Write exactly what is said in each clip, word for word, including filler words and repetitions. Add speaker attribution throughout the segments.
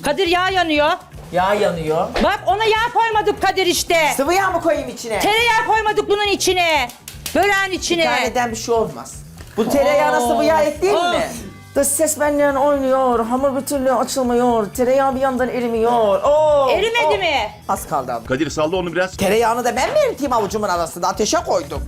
Speaker 1: Kadir yağ yanıyor.
Speaker 2: Yağ yanıyor.
Speaker 1: Bak ona yağ koymadık Kadir işte.
Speaker 2: Sıvı yağ mı koyayım içine?
Speaker 1: Tereyağı koymadık bunun içine. Böreğin
Speaker 2: Bir
Speaker 1: içine.
Speaker 2: taneden bir şey olmaz. Bu tereyağına
Speaker 1: Oo.
Speaker 2: sıvı yağ ekleyeyim
Speaker 1: Of.
Speaker 2: mi? Dış ses benden oynuyor, hamur bir türlü açılmıyor, tereyağı bir yandan erimiyor. Oo,
Speaker 1: Erimedi
Speaker 2: oo.
Speaker 1: mi?
Speaker 2: Az kaldı abi.
Speaker 3: Kadir salla onu biraz.
Speaker 2: Tereyağını da ben mi eriteyim avucumun arasında? Ateşe koydum.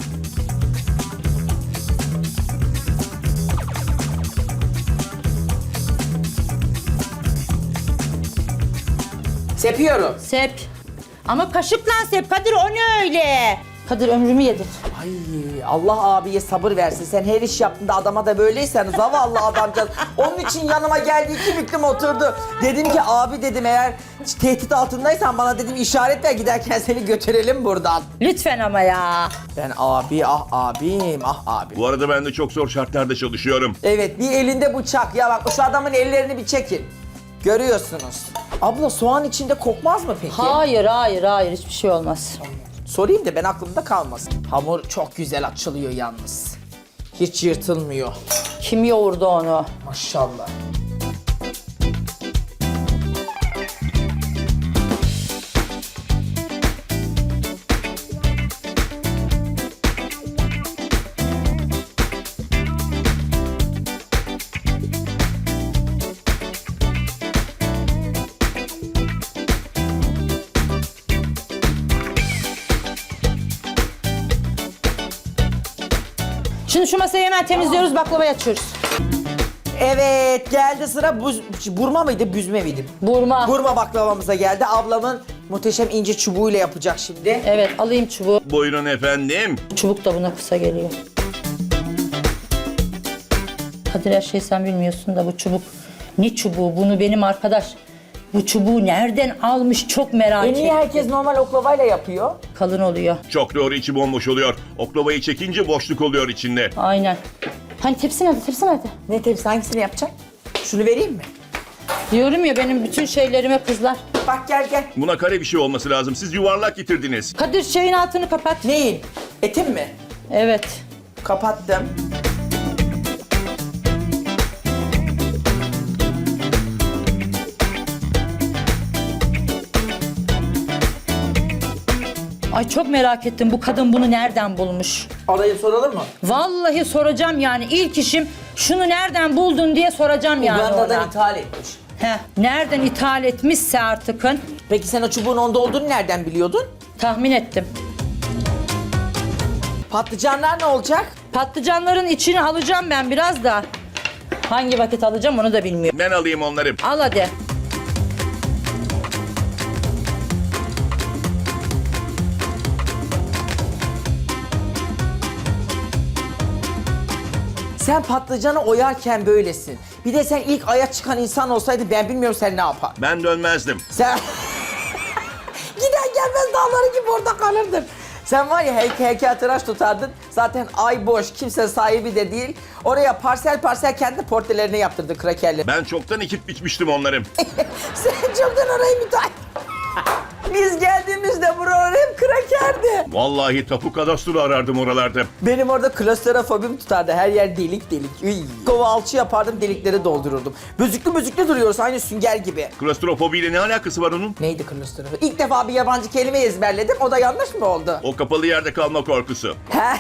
Speaker 2: Sepiyorum.
Speaker 1: Sep. Ama kaşıkla sep Kadir, o ne öyle? Kadir ömrümü yedin.
Speaker 2: Ay Allah abiye sabır versin. Sen her iş yaptığında adama da böyleysen zavallı adamcağız. Onun için yanıma geldi, iki büklüm oturdu. Dedim ki abi dedim, eğer tehdit altındaysan bana dedim işaret ver, giderken seni götürelim buradan.
Speaker 1: Lütfen ama ya.
Speaker 2: Ben abi ah abim ah abim.
Speaker 3: Bu arada ben de çok zor şartlarda çalışıyorum.
Speaker 2: Evet, bir elinde bıçak. Ya bak şu adamın ellerini bir çekin. Görüyorsunuz. Abla soğan içinde kokmaz mı peki?
Speaker 1: Hayır hayır hayır, hiçbir şey olmaz.
Speaker 2: Sorayım da ben aklımda kalmasın. Hamur çok güzel açılıyor yalnız. Hiç yırtılmıyor.
Speaker 1: Kim yoğurdu onu?
Speaker 2: Maşallah.
Speaker 1: Şimdi şu masayı hemen temizliyoruz, baklavayı açıyoruz.
Speaker 2: Evet, geldi sıra buz, burma mıydı, büzme miydi?
Speaker 1: Burma.
Speaker 2: Burma baklavamıza geldi. Ablamın muhteşem ince çubuğuyla yapacak şimdi.
Speaker 1: Evet, alayım çubuğu.
Speaker 3: Buyurun efendim.
Speaker 1: Çubuk da buna kısa geliyor. Kadir, her şeyi sen bilmiyorsun da bu çubuk ne çubuğu? Bunu benim arkadaş bu çubuğu nereden almış, çok merak
Speaker 2: E
Speaker 1: ettim.
Speaker 2: niye herkes normal oklavayla yapıyor?
Speaker 1: Kalın oluyor.
Speaker 3: Çok doğru, içi bomboş oluyor. Oklavayı çekince boşluk oluyor içinde.
Speaker 1: Aynen. Hani tepsi nerede? Tepsi nerede?
Speaker 2: Ne tepsi, hangisini yapacaksın? Şunu vereyim mi?
Speaker 1: Diyorum ya, benim bütün şeylerime kızlar.
Speaker 2: Bak gel gel.
Speaker 3: Buna kare bir şey olması lazım. Siz yuvarlak getirdiniz.
Speaker 1: Kadir, şeyin altını kapat.
Speaker 2: Neyin? Etim mi?
Speaker 1: Evet.
Speaker 2: Kapattım.
Speaker 1: Ay çok merak ettim, bu kadın bunu nereden bulmuş?
Speaker 2: Arayıp soralım mı?
Speaker 1: Vallahi soracağım yani, ilk işim şunu nereden buldun diye soracağım yani
Speaker 2: Uganda'dan
Speaker 1: ona.
Speaker 2: ithal etmiş.
Speaker 1: Heh, nereden ithal etmişse artıkın,
Speaker 2: Peki sen o çubuğun onda olduğunu nereden biliyordun?
Speaker 1: tahmin ettim.
Speaker 2: Patlıcanlar ne olacak?
Speaker 1: Patlıcanların içini alacağım ben biraz da. Hangi vakit alacağım onu da bilmiyorum.
Speaker 3: Ben alayım onları.
Speaker 1: Al hadi.
Speaker 2: Sen patlıcanı oyarken böylesin. Bir de sen ilk aya çıkan insan olsaydı ben bilmiyorum sen ne yapar.
Speaker 3: Ben dönmezdim.
Speaker 2: Sen... Gider gelmez dağları gibi orada kalırdın. Sen var ya heykel, heykeltıraş tutardın. Zaten ay boş, kimse sahibi de değil. Oraya parsel parsel kendi portrelerini yaptırdı krakerle.
Speaker 3: Ben çoktan ekip biçmiştim onları.
Speaker 2: Sen çoktan orayı müteahhit. Biz geldiğimizde buralar hep krakerdi.
Speaker 3: Vallahi tapu kadastro arardım oralarda.
Speaker 2: Benim orada klostrofobim tutardı. Her yer delik delik. Üy. Kova alçı yapardım, delikleri doldururdum. Büzüklü büzüklü duruyoruz aynı sünger gibi.
Speaker 3: Klostrofobiyle ne alakası var onun?
Speaker 2: Neydi klostrofobi? İlk defa bir yabancı kelime ezberledim. O da yanlış mı oldu?
Speaker 3: O kapalı yerde kalma korkusu.
Speaker 2: He?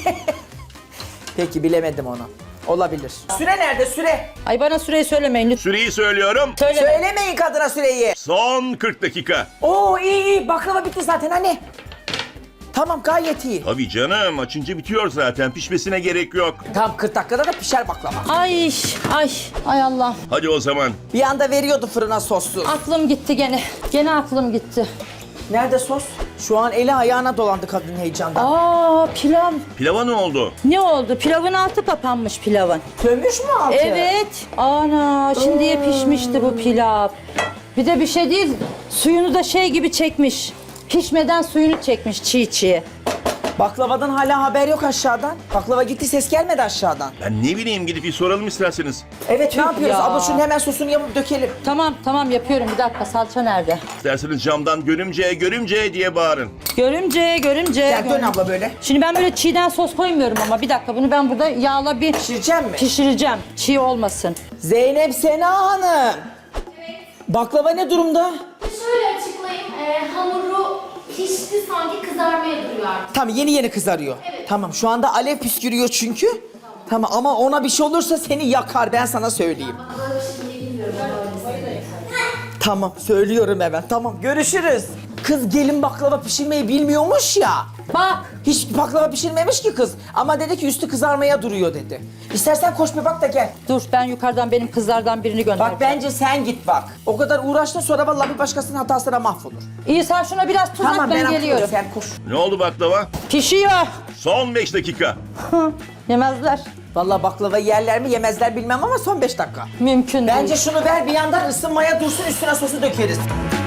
Speaker 2: Peki bilemedim onu. Olabilir. Süre nerede süre?
Speaker 1: Ay bana süreyi söylemeyin lütfen.
Speaker 3: Süreyi söylüyorum.
Speaker 1: Söyleme.
Speaker 2: Söylemeyin kadına süreyi.
Speaker 3: Son kırk dakika.
Speaker 2: Oo iyi iyi, baklava bitti zaten hani. Tamam gayet iyi.
Speaker 3: Tabii canım, açınca bitiyor zaten. Pişmesine gerek yok.
Speaker 2: Tam kırk dakikada da pişer baklava.
Speaker 1: Ay ay ay Allah.
Speaker 3: Hadi o zaman.
Speaker 2: Bir anda veriyordu fırına soslu.
Speaker 1: Aklım gitti gene. Gene aklım gitti.
Speaker 2: Nerede sos? Şu an eli ayağına dolandı kadın heyecandan.
Speaker 1: Aa, pilav.
Speaker 3: Pilava ne oldu?
Speaker 1: Ne oldu? Pilavın altı kapanmış pilavın.
Speaker 2: Sönmüş mü altı?
Speaker 1: Evet. Ana, şimdiye pişmişti bu pilav. Bir de bir şey değil, suyunu da şey gibi çekmiş. Pişmeden suyunu çekmiş çiğ çiğ.
Speaker 2: Baklavadan hala haber yok aşağıdan. Baklava gitti, ses gelmedi aşağıdan.
Speaker 3: Ben ne bileyim, gidip bir soralım isterseniz.
Speaker 2: Evet, ne yapıyoruz?
Speaker 1: ya.
Speaker 2: Abla şunun hemen sosunu yapıp dökelim.
Speaker 1: Tamam tamam yapıyorum, bir dakika, salça nerede?
Speaker 3: İsterseniz camdan görümce görümce diye bağırın.
Speaker 1: Görümce görümce.
Speaker 2: Gel dön
Speaker 1: görümce.
Speaker 2: abla böyle.
Speaker 1: Şimdi ben böyle çiğden sos koymuyorum ama bir dakika, bunu ben burada yağla bir
Speaker 2: Pişireceğim mi?
Speaker 1: pişireceğim. Çiğ olmasın.
Speaker 2: Zeynep Sena Hanım. Baklava ne durumda?
Speaker 4: Şöyle açıklayayım. Ee, hamuru pişti sanki kızarmaya duruyor artık.
Speaker 2: Tamam yeni yeni kızarıyor.
Speaker 4: Evet.
Speaker 2: Tamam şu anda alev püskürüyor çünkü. Tamam ama ona bir şey olursa seni yakar ben sana söyleyeyim.
Speaker 4: Böyle bir şey bilmiyorum. Öyle
Speaker 2: Tamam söylüyorum hemen. Tamam görüşürüz. Kız gelin baklava pişirmeyi bilmiyormuş ya.
Speaker 1: Bak.
Speaker 2: Hiç baklava pişirmemiş ki kız. Ama dedi ki üstü kızarmaya duruyor dedi. İstersen koş bir bak da gel.
Speaker 1: Dur ben yukarıdan benim kızlardan birini gönder.
Speaker 2: Bak bence sen git bak. O kadar uğraştın sonra vallahi bir başkasının hatasına mahvolur.
Speaker 1: İyi sen şuna biraz tuz at ben,
Speaker 2: ben
Speaker 1: geliyorum.
Speaker 2: Sen koş.
Speaker 3: Ne oldu baklava?
Speaker 1: Pişiyor.
Speaker 3: Son beş dakika.
Speaker 1: Yemezler.
Speaker 2: Vallahi baklava yerler mi yemezler bilmem ama son beş dakika.
Speaker 1: Mümkün
Speaker 2: Bence
Speaker 1: değil.
Speaker 2: şunu ver bir yandan ısınmaya dursun üstüne sosu dökeriz.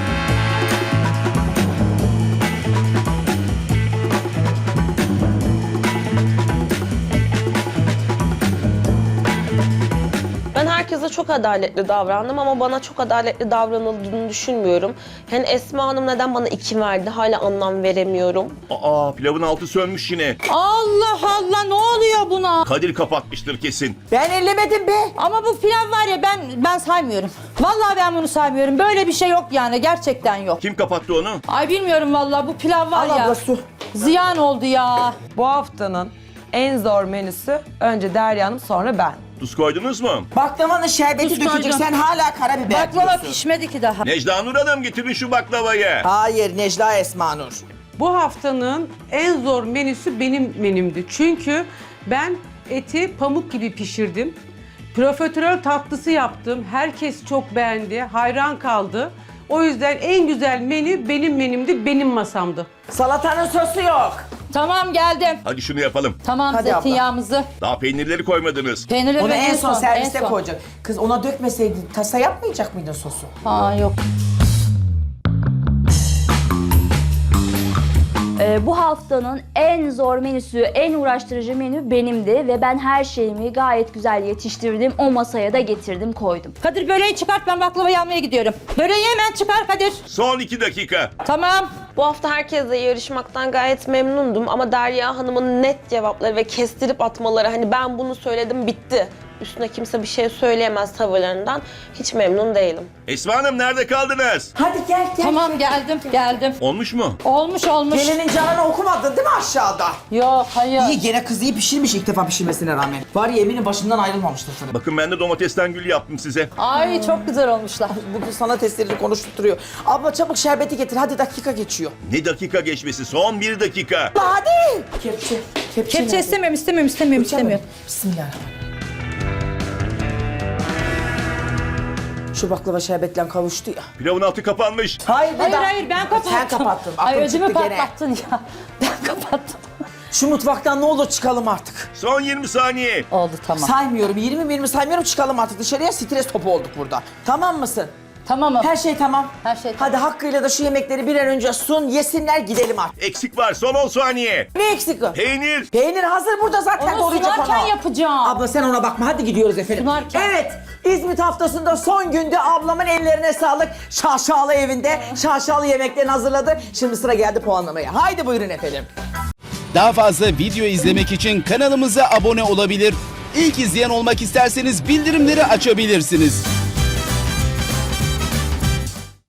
Speaker 5: Ben herkese çok adaletli davrandım ama bana çok adaletli davranıldığını düşünmüyorum. Yani Esma Hanım neden bana iki verdi hala anlam veremiyorum.
Speaker 3: Aa pilavın altı sönmüş yine.
Speaker 1: Allah Allah ne oluyor buna?
Speaker 3: Kadir kapatmıştır kesin.
Speaker 2: Ben ellemedim be.
Speaker 1: Ama bu pilav var ya ben ben saymıyorum. Vallahi ben bunu saymıyorum. Böyle bir şey yok yani gerçekten yok.
Speaker 3: Kim kapattı onu?
Speaker 1: Ay bilmiyorum vallahi bu pilav var
Speaker 2: Al
Speaker 1: ya.
Speaker 2: abla su.
Speaker 1: Ziyan oldu ya.
Speaker 6: Bu haftanın en zor menüsü önce Derya Hanım sonra ben.
Speaker 3: Tuz koydunuz mu?
Speaker 2: Baklavanın şerbeti
Speaker 1: Tuz
Speaker 2: dökecek
Speaker 1: koydum.
Speaker 2: sen hala karabiber
Speaker 1: Baklava
Speaker 2: diyorsun.
Speaker 1: pişmedi ki daha.
Speaker 3: Necla Nur Hanım getirin şu baklavayı.
Speaker 2: Hayır Necla Esma Nur.
Speaker 7: Bu haftanın en zor menüsü benim menümdü. Çünkü ben eti pamuk gibi pişirdim. Profiterol tatlısı yaptım. Herkes çok beğendi, hayran kaldı. O yüzden en güzel menü benim menümdü, benim masamdı.
Speaker 2: Salatanın sosu yok.
Speaker 1: Tamam geldim.
Speaker 3: Hadi şunu yapalım.
Speaker 1: Tamam
Speaker 2: Hadi abla.
Speaker 1: zeytinyağımızı.
Speaker 3: Daha peynirleri koymadınız.
Speaker 1: Peynirleri
Speaker 2: Onu
Speaker 1: ben
Speaker 2: en son serviste
Speaker 1: en son.
Speaker 2: koyacak. Kız ona dökmeseydin tasa yapmayacak mıydın sosu?
Speaker 1: Aa yok.
Speaker 8: Ee, bu haftanın en zor menüsü, en uğraştırıcı menü benimdi ve ben her şeyimi gayet güzel yetiştirdim. O masaya da getirdim, koydum.
Speaker 1: Kadir böreği çıkart ben baklavayı almaya gidiyorum. Böreği hemen çıkar Kadir.
Speaker 3: Son iki dakika.
Speaker 1: Tamam.
Speaker 5: Bu hafta herkesle yarışmaktan gayet memnundum ama Derya Hanım'ın net cevapları ve kestirip atmaları hani ben bunu söyledim bitti. Üstüne kimse bir şey söyleyemez tavırlarından. Hiç memnun değilim.
Speaker 3: Esma Hanım nerede kaldınız?
Speaker 2: Hadi gel gel.
Speaker 1: Tamam geldim geldim.
Speaker 3: Olmuş mu?
Speaker 1: Olmuş olmuş.
Speaker 2: Gelinin canını okumadın değil mi aşağıda?
Speaker 1: Yok hayır.
Speaker 2: İyi gene kız iyi pişirmiş ilk defa pişirmesine rağmen. Var ya eminim başından ayrılmamıştır sana.
Speaker 3: Bakın ben de domatesten gül yaptım size.
Speaker 1: Ay çok güzel olmuşlar.
Speaker 2: Bugün sana testleri konuşturuyor. Abla çabuk şerbeti getir hadi dakika geçiyor.
Speaker 3: Ne dakika geçmesi? Son bir dakika.
Speaker 2: Hadi. Kepçe. Kepçe,
Speaker 1: Kepçe
Speaker 2: nerede?
Speaker 1: istemiyorum istemiyorum istemiyorum istemiyorum.
Speaker 2: Bismillahirrahmanirrahim. Şu baklava şerbetle kavuştu ya.
Speaker 3: Pilavın altı kapanmış.
Speaker 2: Hayır be
Speaker 1: Hayır
Speaker 2: daha-
Speaker 1: hayır ben kapattım.
Speaker 2: Sen kapattın.
Speaker 1: Ay
Speaker 2: Aklım
Speaker 1: ödümü
Speaker 2: çıktı gene.
Speaker 1: patlattın ya. Ben kapattım.
Speaker 2: Şu mutfaktan ne olur çıkalım artık.
Speaker 3: Son yirmi saniye.
Speaker 1: Oldu tamam.
Speaker 2: Saymıyorum. yirmi yirmi saymıyorum çıkalım artık dışarıya. Stres topu olduk burada. Tamam mısın?
Speaker 1: Tamamım.
Speaker 2: Her şey tamam.
Speaker 1: Her şey tamam.
Speaker 2: Hadi hakkıyla da şu yemekleri bir an önce sun, yesinler gidelim artık.
Speaker 3: Eksik var son on saniye.
Speaker 2: Ne eksik o?
Speaker 3: Peynir.
Speaker 2: Peynir hazır burada zaten
Speaker 1: Onu
Speaker 2: koruyacak
Speaker 1: sunarken
Speaker 2: onu.
Speaker 1: yapacağım.
Speaker 2: Abla sen ona bakma hadi gidiyoruz efendim.
Speaker 1: Sunarken.
Speaker 2: Evet İzmit haftasında son günde ablamın ellerine sağlık. Şaşalı evinde şaşalı yemeklerini hazırladı. Şimdi sıra geldi puanlamaya. Haydi buyurun efendim.
Speaker 9: Daha fazla video izlemek için kanalımıza abone olabilir. İlk izleyen olmak isterseniz bildirimleri açabilirsiniz.